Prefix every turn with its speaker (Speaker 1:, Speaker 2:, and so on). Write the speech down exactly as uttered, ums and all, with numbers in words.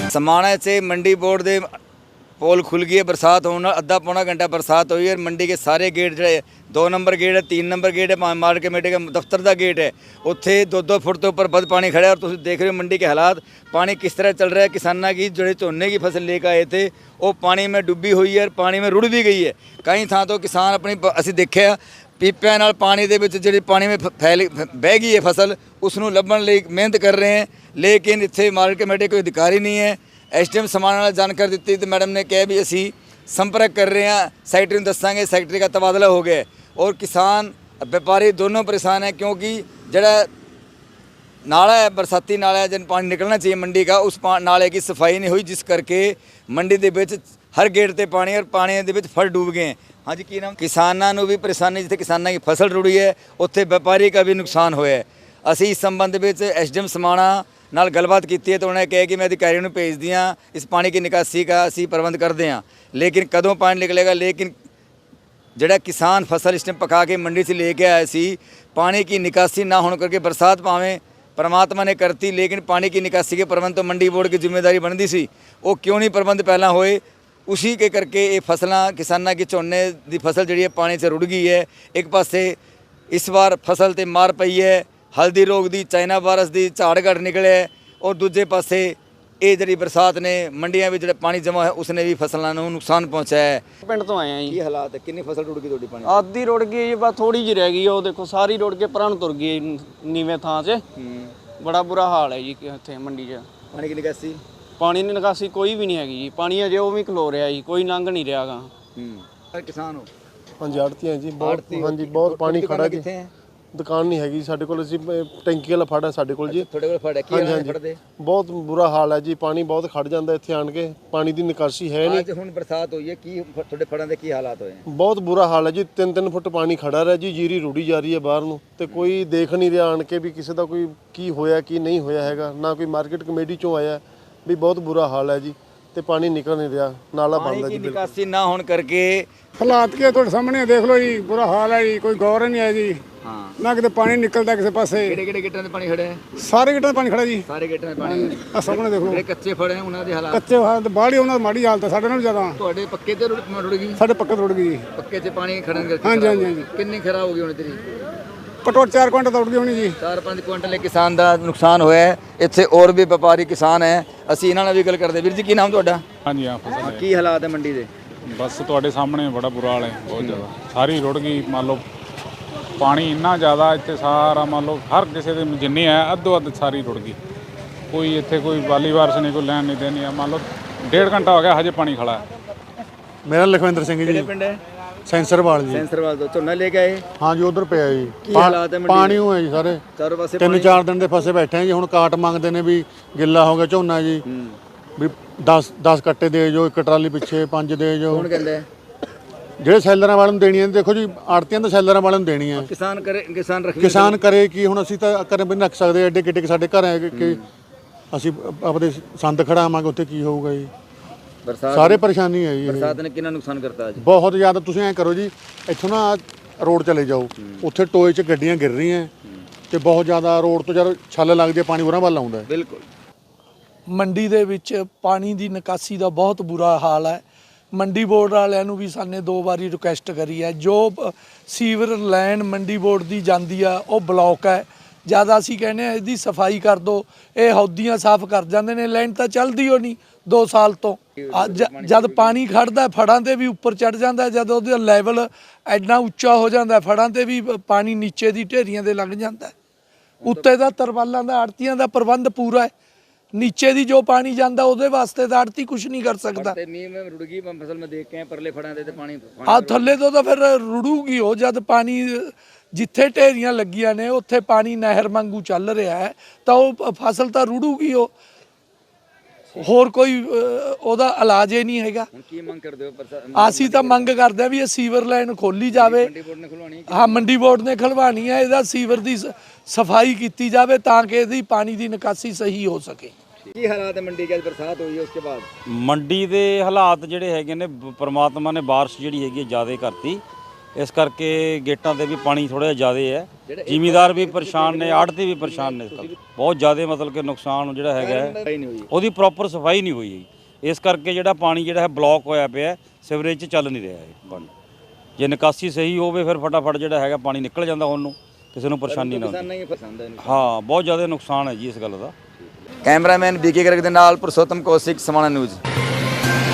Speaker 1: समाणा से मंडी बोर्ड के पोल खुल गई है। बरसात होने अद्धा पौना घंटा बरसात हुई है। मंडी के सारे गेट जो दो नंबर गेट है, तीन नंबर गेट है, मार्केट कमेटी का दफ्तर का गेट है, उत्थे दो दो फुट तो ऊपर बद पानी खड़ा है। और तुम देख रहे हो मंडी के हालात, पानी किस तरह चल रहा है। किसानों की जो झोने की फसल लेकर आए थे वो पानी में डुबी हुई है, पानी में रुड़ भी गई है। कई थां तो किसान अपनी असीं देखिया पीपिਆਂ ਨਾਲ पानी ਦੇ ਵਿੱਚ ਜਿਹੜੀ पानी में फैल बह गई है फसल, उसनों ਲੱਭਣ ਲਈ ਮਿਹਨਤ कर रहे हैं। लेकिन ਇੱਥੇ मार्केट कमेटी कोई अधिकारी नहीं है। एस डी एम समाणा ਨਾਲ जानकारी ਦਿੱਤੀ तो मैडम ने कहा भी ਅਸੀਂ संपर्क कर रहे हैं, सैकटरी ਨੂੰ ਦੱਸਾਂਗੇ। सैकटरी का तबादला हो गया और किसान व्यापारी दोनों परेशान हैं, क्योंकि जड़ा नाला है, बरसाती नाला है, जिन पानी निकलना चाहिए मंडी का, उस नाले की सफाई नहीं हुई, जिस करके मंडी के विच हर गेट ते पानी और पानी के विच फल डूब गए। हाँ जी, की नाम? किसानों को भी परेशानी, जिथे किसानों की फसल रुड़ी है उत्थे व्यापारी का भी नुकसान होया है। असी इस संबंध में एस डी एम समाणा नाल गलबात की है तो उन्होंने कहा कि मैं अधिकारियों को भेज दिया, इस पानी की निकासी का असी प्रबंध करते हैं। लेकिन कदों पानी निकलेगा? लेकिन जड़ा किसान फसल इस टाइम पका के मंडी से लेके आया सी, पानी की निकासी ना होने करके बरसात भावें परमात्मा ने करती, लेकिन पानी की निकासी के प्रबंध तो मंडी बोर्ड की जिम्मेदारी बनती सी। वो क्यों नहीं प्रबंध पहला होए? उसी के करके ये फसलां किसानों की झोने की फसल जी है पानी से रुड़ गई है। एक पासे इस बार फसल ते मार पई है हल्दी रोग की, चाइना वायरस की, झाड़ घट निकले, और दूजे पासे ये जी बरसात ने मंडियां में जो पानी जमा है उसने भी फसलों को नुकसान पहुँचाया है।
Speaker 2: पिंड तो आए हैं जी।
Speaker 1: हालात है, कितनी फसल रुड़ गई थोड़ी? पानी
Speaker 2: आधी रुड़ गई जी, बस थोड़ी जी रह गई। वो देखो सारी रुड़ के परां तुर गई नीवें थां से। बड़ा बुरा हाल है जी इत्थे मंडी च।
Speaker 1: पानी की निकासी
Speaker 2: पानी की निकासी कोई भी नहीं हैगी जी। पानी अजे वो भी खलो रहा जी, कोई लंघ नहीं रहा गा।
Speaker 1: किसान हो?
Speaker 3: हाँ जी, आड़ती हैं जी, बहुत हाँ जी, बहुत पानी खड़ा जी। दुकान नहीं हैगी साडे कोल, ਅਸੀਂ ਟੈਂਕੀ ਵਾਲਾ ਫੜ ਹੈ ਸਾਡੇ ਕੋਲ ਜੀ।
Speaker 1: ਤੁਹਾਡੇ ਕੋਲ ਫੜ ਹੈ? ਕੀ ਹਾਲ ਫੜਦੇ?
Speaker 3: ਬਹੁਤ ਬੁਰਾ ਹਾਲ ਹੈ ਜੀ, ਪਾਣੀ ਬਹੁਤ ਖੜ ਜਾਂਦਾ ਇੱਥੇ ਆਣ ਕੇ, ਪਾਣੀ ਦੀ ਨਿਕਾਸੀ ਹੈ ਨਹੀਂ।
Speaker 1: ਅੱਜ ਹੁਣ ਬਰਸਾਤ ਹੋਈ ਹੈ, ਕੀ ਤੁਹਾਡੇ ਫੜਾਂ ਦੇ ਕੀ ਹਾਲਾਤ ਹੋਏ?
Speaker 3: ਬਹੁਤ ਬੁਰਾ ਹਾਲ ਹੈ ਜੀ, ਤਿੰਨ ਤਿੰਨ ਫੁੱਟ ਪਾਣੀ ਖੜਾ ਰਿਹਾ ਜੀ, ਜੀਰੀ ਰੁੜੀ ਜਾ ਰਹੀ ਹੈ ਬਾਹਰ ਨੂੰ, ਤੇ ਕੋਈ ਦੇਖ ਨਹੀਂ ਰਿਹਾ ਆਣ ਕੇ ਵੀ ਕਿਸੇ ਦਾ ਕੋਈ ਕੀ ਹੋਇਆ ਕੀ ਨਹੀਂ ਹੋਇਆ ਹੈਗਾ, ਨਾ ਕੋਈ ਮਾਰਕੀਟ ਕਮੇਟੀ ਚੋਂ ਆਇਆ ਵੀ ਬਹੁਤ ਬੁਰਾ ਹਾਲ ਹੈ ਜੀ, ਤੇ ਪਾਣੀ ਨਿਕਲ ਨਹੀਂ ਰਿਹਾ, ਨਾਲਾ ਬੰਦ ਹੈ ਜੀ।
Speaker 1: ਨਿਕਾਸੀ ਨਾ ਹੋਣ ਕਰਕੇ
Speaker 4: ਹਾਲਾਤ ਕੀ ਤੁਹਾਡੇ ਸਾਹਮਣੇ ਦੇਖ ਲਓ ਜੀ, ਬੁਰਾ ਹਾਲ ਹੈ ਜੀ, ਕੋਈ ਗੌਰ ਨਹੀਂ ਹੈ ਜੀ।
Speaker 1: ਹਾਂ,
Speaker 4: ਨਾ ਕਿਤੇ ਪਾਣੀ ਨਿਕਲਦਾ ਕਿਸੇ ਪਾਸੇ।
Speaker 1: ਕਿਹੜੇ ਕਿਹੜੇ ਗੇਟਾਂ ਤੇ ਪਾਣੀ ਖੜਾ ਹੈ?
Speaker 4: ਸਾਰੇ ਗੇਟਾਂ 'ਤੇ ਪਾਣੀ ਖੜਾ ਜੀ,
Speaker 1: ਸਾਰੇ ਗੇਟਾਂ 'ਤੇ ਪਾਣੀ।
Speaker 4: ਆ ਸਾਹਮਣੇ ਦੇਖੋ,
Speaker 1: ਜਿਹੜੇ ਕੱਚੇ ਫੜੇ ਆ ਉਹਨਾਂ ਦੇ ਹਾਲਾਤ?
Speaker 4: ਕੱਚੇ ਹਾਲਤ ਬਾਹਲੀ, ਉਹਨਾਂ ਦੀ ਮਾੜੀ ਹਾਲਤ ਹੈ ਸਾਡੇ ਨਾਲੋਂ ਜ਼ਿਆਦਾ।
Speaker 1: ਤੁਹਾਡੇ ਪੱਕੇ ਤੇ ਰੁੜ ਰੁੜ ਗਈ?
Speaker 4: ਸਾਡੇ ਪੱਕੇ ਰੁੜ ਗਈ ਜੀ,
Speaker 1: ਪੱਕੇ 'ਚ ਪਾਣੀ ਖੜਨ ਕਰਕੇ।
Speaker 4: ਹਾਂਜੀ ਹਾਂਜੀ ਹਾਂਜੀ।
Speaker 1: ਕਿੰਨੀ ਖਰਾਬ ਹੋ ਗਈ ਹੁਣ ਤੇਰੀ?
Speaker 4: ਘੱਟੋ ਘੱਟ ਚਾਰ ਕੁਇੰਟਲ ਤਾਂ ਉੱਡ ਗਈ ਹੋਣੀ ਜੀ।
Speaker 1: ਚਾਰ ਪੰਜ ਕੁਇੰਟਲ ਕਿਸਾਨ ਦਾ ਨੁਕਸਾਨ ਹੋਇਆ ਹੈ। ਇੱਥੇ ਹੋਰ ਵੀ ਵਪਾਰੀ ਕਿਸਾਨ ਹੈ, ਅਸੀਂ ਇਹਨਾਂ ਨਾਲ ਵੀ ਗੱਲ ਕਰਦੇ। ਵੀਰ ਜੀ, ਕੀ ਨਾਮ ਤੁਹਾਡਾ?
Speaker 5: ਹਾਂਜੀ ਹਾਂ, ਫਸਲ
Speaker 1: ਕੀ ਹਾਲਾਤ ਹੈ ਮੰਡੀ ਦੇ?
Speaker 5: ਬਸ ਤੁਹਾਡੇ ਸਾਹਮਣੇ ਬੜਾ ਬੁਰਾ ਹਾਲ ਹੈ, ਬਹੁਤ ਜ਼ਿਆਦਾ। ਸਾਰੀ ਰੁੜ ਗਈ, ਮੰਨ ਲਓ ਪਾਣੀ ਇੰਨਾ ਜ਼ਿਆਦਾ ਇੱਥੇ ਸਾਰਾ, ਮੰਨ ਲਓ ਹਰ ਕਿਸੇ ਦੇ ਜਿੰਨੀ ਹੈ ਅੱਧੋ ਅੱਧ ਸਾਰੀ ਰੁੜ ਗਈ। ਕੋਈ ਇੱਥੇ ਕੋਈ ਵਾਲੀ ਵਾਰਸ ਨਹੀਂ, ਕੋਈ ਲੈਣ ਨਹੀਂ ਦੇਣੀ ਆ। ਮੰਨ ਲਓ ਡੇਢ ਘੰਟਾ ਹੋ ਗਿਆ, ਹਜੇ ਪਾਣੀ ਖੜਾ ਹੈ।
Speaker 3: ਮੇਰਾ ਲਖਵਿੰਦਰ ਸਿੰਘ ਜੀ।
Speaker 1: ਕਿਹੜੇ ਪਿੰਡ ਹੈ?
Speaker 3: ਸੈਂਸਰਵਾਲ ਜੀ।
Speaker 1: ਸੈਂਸਰਵਾਲ ਤੋਂ ਝੋਨਾ ਲੈ ਕੇ ਆਏ?
Speaker 3: ਹਾਂ ਜੀ, ਉਧਰ ਪਿਆ ਜੀ।
Speaker 1: ਕੀ ਹਾਲਾਤ ਹੈ ਮੰਡੀ ਦੇ?
Speaker 3: ਪਾਣੀ ਹੋਇਆ ਜੀ ਸਾਰੇ
Speaker 1: ਚਾਰੋਂ ਪਾਸੇ
Speaker 3: ਤਿੰਨ ਚਾਰ ਦਿਨ ਦੇ ਫਸੇ ਬੈਠੇ ਆ ਜੀ। ਹੁਣ ਕਾਟ ਮੰਗਦੇ ਨੇ ਵੀ ਗਿੱਲਾ ਹੋ ਗਿਆ ਝੋਨਾ ਜੀ, ਵੀ ਦਸ ਦਸ ਕੱਟੇ ਦੇ ਜੋ, ਇੱਕ ਟਰਾਲੀ ਪਿੱਛੇ ਪੰਜ ਦੇ ਜੋ।
Speaker 1: ਕੌਣ ਕਹਿੰਦਾ ਹੈ?
Speaker 3: ਜਿਹੜੇ ਸੈਲਰਾਂ ਵਾਲਿਆਂ ਨੂੰ ਦੇਣੀਆਂ, ਦੇਖੋ ਜੀ ਆੜਤੀਆਂ ਤਾਂ ਸੈਲਰਾਂ ਵਾਲਿਆਂ ਨੂੰ ਦੇਣੀਆਂ।
Speaker 1: ਕਿਸਾਨ ਕਰੇ, ਕਿਸਾਨ ਰੱਖੇ,
Speaker 3: ਕਿਸਾਨ ਕਰੇ ਕੀ? ਹੁਣ ਅਸੀਂ ਤਾਂ ਘਰੇ ਵੀ ਨਹੀਂ ਰੱਖ ਸਕਦੇ, ਐਡੇ ਕਿੱਡੇ ਸਾਡੇ ਘਰ ਹੈ ਕਿ ਅਸੀਂ ਆਪਦੇ ਸੰਦ ਖੜਾਵਾਂਗੇ, ਉੱਥੇ ਕੀ ਹੋਊਗਾ ਜੀ?
Speaker 1: ਬਰਸਾਤ
Speaker 3: ਸਾਰੇ ਪਰੇਸ਼ਾਨੀ ਹੈ ਜੀ।
Speaker 1: ਬਰਸਾਤ ਨੇ ਕਿੰਨਾ ਨੁਕਸਾਨ ਕਰਤਾ ਅੱਜ?
Speaker 3: ਬਹੁਤ ਜ਼ਿਆਦਾ। ਤੁਸੀਂ ਐਂ ਕਰੋ ਜੀ, ਇੱਥੋਂ ਨਾ ਰੋਡ ਚਲੇ ਜਾਓ, ਉੱਥੇ ਟੋਏ 'ਚ ਗੱਡੀਆਂ ਗਿਰ ਰਹੀਆਂ ਤੇ ਬਹੁਤ ਜ਼ਿਆਦਾ ਰੋਡ ਤੋਂ ਜਦ ਛੱਲ ਲੱਗਦੀ ਹੈ ਪਾਣੀ ਉਰਾਂ ਵੱਲ ਆਉਂਦਾ।
Speaker 1: ਬਿਲਕੁਲ।
Speaker 6: ਮੰਡੀ ਦੇ ਵਿੱਚ ਪਾਣੀ ਦੀ ਨਿਕਾਸੀ ਦਾ ਬਹੁਤ ਬੁਰਾ ਹਾਲ ਹੈ। ਮੰਡੀ ਬੋਰਡ ਵਾਲਿਆਂ ਨੂੰ ਵੀ ਸਾਨੇ ਦੋ ਵਾਰੀ ਰਿਕੁਐਸਟ ਕਰੀ ਹੈ, ਜੋ ਸੀਵਰ ਲਾਈਨ ਮੰਡੀ ਬੋਰਡ ਦੀ ਜਾਂਦੀ ਆ ਉਹ ਬਲੌਕ ਹੈ। ਜ਼ਿਆਦਾ ਅਸੀਂ ਕਹਿੰਦੇ ਆ ਇਹਦੀ ਸਫਾਈ ਕਰ ਦਿਓ। ਇਹ ਹੌਦੀਆਂ ਸਾਫ਼ ਕਰ ਜਾਂਦੇ ਨੇ, ਲਾਈਨ ਤਾਂ ਚੱਲਦੀ ਹੋ ਨਹੀਂ ਦੋ ਸਾਲ ਤੋਂ। ਜਦ ਪਾਣੀ ਖੜਦਾ ਫੜਾਂ ਤੇ ਵੀ ਉੱਪਰ ਚੜ ਜਾਂਦਾ, ਜਦ ਉਹਦਾ ਲੈਵਲ ਐਨਾ ਉੱਚਾ ਹੋ ਜਾਂਦਾ ਫੜਾਂ ਤੇ ਵੀ ਪਾਣੀ ਨੀਚੇ ਦੀ ਢੇਰੀਆਂ ਦੇ ਲੱਗ ਜਾਂਦਾ। ਉੱਤੇ ਦਾ ਤਰਵਾਲਾਂ ਦਾ ਆੜਤੀਆਂ ਦਾ ਪ੍ਰਬੰਧ ਪੂਰਾ ਹੈ, नीचे दी जो पानी जाता ਉਹਦੇ ਵਾਸਤੇ ਤਾਂ ਆੜਤੀ ਕੁਝ ਨਹੀਂ ਕਰ ਸਕਦਾ।
Speaker 1: ਤੇ ਨੀਮ में रुड़ गई फसल में देख के परले फड़ां दे ते पानी
Speaker 6: ਆ ਥੱਲੇ ਤੋਂ ਤਾਂ ਫਿਰ ਰੁੜੂਗੀ ਉਹ, ਜਦ ਪਾਣੀ ਜਿੱਥੇ ਢੇਰੀਆਂ ਲੱਗੀਆਂ ਨੇ ਉੱਥੇ ਪਾਣੀ ਨਹਿਰ ਵਾਂਗੂ ਚੱਲ ਰਿਹਾ ਹੈ ਤਾਂ ਉਹ ਫਸਲ ਤਾਂ ਰੁੜੂਗੀ ਉਹ। ਹੋਰ ਕੋਈ ਉਹਦਾ ਇਲਾਜ ਹੀ ਨਹੀਂ ਹੈਗਾ।
Speaker 1: ਹੁਣ ਕੀ ਮੰਗ ਕਰਦੇ ਹੋ?
Speaker 6: ਅਸੀਂ ਤਾਂ ਮੰਗ ਕਰਦੇ ਆ ਵੀ ਇਹ ਸੀਵਰ ਲਾਈਨ ਖੋਲੀ ਜਾਵੇ।
Speaker 1: ਮੰਡੀ ਬੋਰਡ ਨੇ ਖੁਲਵਾਣੀ?
Speaker 6: ਹਾਂ, ਮੰਡੀ ਬੋਰਡ ਨੇ ਖਲਵਾਣੀ ਹੈ। ਇਹਦਾ ਸੀਵਰ ਦੀ ਸਫਾਈ ਕੀਤੀ ਜਾਵੇ ਤਾਂ ਕਿ ਇਹਦੀ ਪਾਣੀ ਦੀ ਨਿਕਾਸੀ ਸਹੀ ਹੋ ਸਕੇ।
Speaker 1: ਕੀ ਹਾਲਾਤ ਹੈ ਮੰਡੀ के? बरसात हुई है उसके बाद
Speaker 7: ਮੰਡੀ ਦੇ ਹਾਲਾਤ ਜਿਹੜੇ ਹੈਗੇ ਨੇ, ਪਰਮਾਤਮਾ ਨੇ ਬਾਰਿਸ਼ ਜਿਹੜੀ ਹੈਗੀ ਜ਼ਿਆਦਾ ਕਰਤੀ। ਇਸ ਕਰਕੇ ਗੇਟਾਂ ਤੇ ਵੀ ਪਾਣੀ ਥੋੜ੍ਹਾ ਜਿਹਾ ਜ਼ਿਆਦਾ ਹੈ। ਜ਼ਿਮੀਦਾਰ ਵੀ ਪਰੇਸ਼ਾਨ ਨੇ, ਆੜ੍ਹਤੀ ਵੀ ਪਰੇਸ਼ਾਨ ਨੇ। ਇਸ ਕਰਕੇ ਬਹੁਤ ਜ਼ਿਆਦਾ ਮਤਲਬ ਕਿ ਨੁਕਸਾਨ ਜਿਹੜਾ ਹੈਗਾ ਹੈ, ਉਹਦੀ ਪ੍ਰੋਪਰ ਸਫਾਈ ਨਹੀਂ ਹੋਈ ਹੈ। ਇਸ ਕਰਕੇ ਜਿਹੜਾ ਪਾਣੀ ਜਿਹੜਾ ਹੈ ਬਲੌਕ ਹੋਇਆ ਪਿਆ, ਸੀਵਰੇਜ 'ਚ ਚੱਲ ਨਹੀਂ ਰਿਹਾ ਹੈ ਪਾਣੀ। ਜੇ ਨਿਕਾਸੀ ਸਹੀ ਹੋਵੇ ਫਿਰ ਫਟਾਫਟ ਜਿਹੜਾ ਹੈਗਾ ਪਾਣੀ ਨਿਕਲ ਜਾਂਦਾ, ਹੁਣ ਨੂੰ ਕਿਸੇ ਨੂੰ ਪਰੇਸ਼ਾਨੀ ਨਾ ਹੁੰਦੀ। ਹਾਂ, ਬਹੁਤ ਜ਼ਿਆਦਾ ਨੁਕਸਾਨ ਹੈ ਜੀ ਇਸ ਗੱਲ ਦਾ।
Speaker 1: ਕੈਮਰਾਮੈਨ ਬੀਕੇ ਗਰਗ ਦੇ ਨਾਲ ਪੁਰਸ਼ੋਤਮ ਕੌਸ਼ਿਕ, ਸਮਾਣਾ ਨਿਊਜ਼।